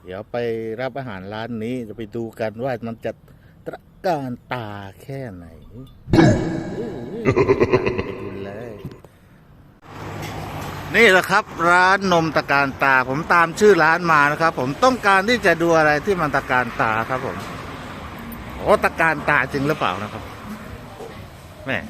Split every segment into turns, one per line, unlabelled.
ดี๋ยวไปรับอาหารร้านนี้จะไปดูกันว่ามันจะตระการตาแค่ไหนไปดูเลย นี่แหละครับร้านนมตะการตาผมตามชื่อร้านมานะครับผมต้องการที่จะดูอะไรที่มันตะการตาครับผมโอ้ตะการตาจริงหรือเปล่านะครับแม่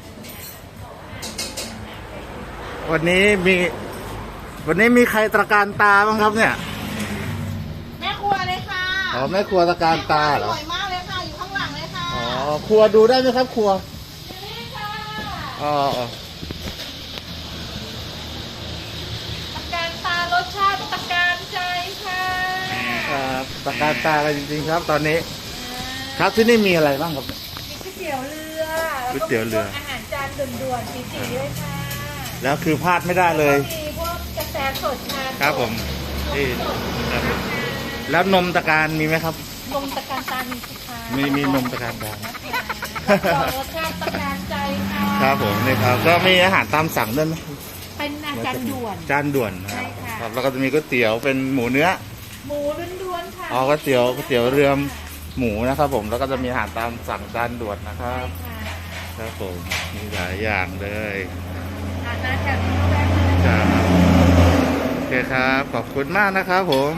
วันนี้มีใครตะการตาบ้างครับเนี่ย
แม่ครัวเลยค่ะ
อ๋อแม่ครัวตะการตาเหรอ
สวยมากเลยค่ะอยู่ข้างหลังเลยค่ะ
อ๋อครัวดูได้ไหมครับครัว
นี่ค่ะ
อ๋อ
ตะการตารสชาติตะการใจค่ะ
ตะการตากันจริงๆครับตอนนี้ครับที่นี่มีอะไรบ้างครับ
มีก๋วยเตี๋ยวเรือ
ก๋วยเตี๋ยวเรือ
อาหารจานด่วนๆสีๆด้วยค่ะ
แล้วคือพลาดไม่ได้เลย
มีพวกกาแฟสดชา
ครับผมนี่แล้วนมตะการมีไหมครับ
นมตะการตามีสิคะ
มีนมตะการตาร
สชาติตะการใจค่ะ
ครับผมนี่ครับก็มีอาหารตามสั่งด้วยไหม
เป็นอาจารย์ด่วน
จานด่วนครับแล้วก็จะมีก๋วยเตี๋ยวเป็นหมูเนื้อ
หมูล้วนๆค่ะ
อ๋อก๋วยเตี๋ยวเรือหมูนะครับผมแล้วก็จะมีอาหารตามสั่งจานด่วนนะครับครับผมมีหลายอย่างเลย
น่าจะมีแวะ
ครับโอเคครับขอบคุณมากนะครับผม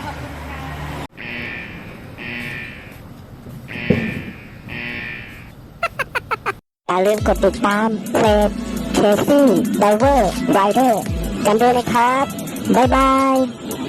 อย่าลืมกดติดตามเพจเคซี่ไดเวอร์ไรเดอร์กันด้วยนะครับบ๊ายบาย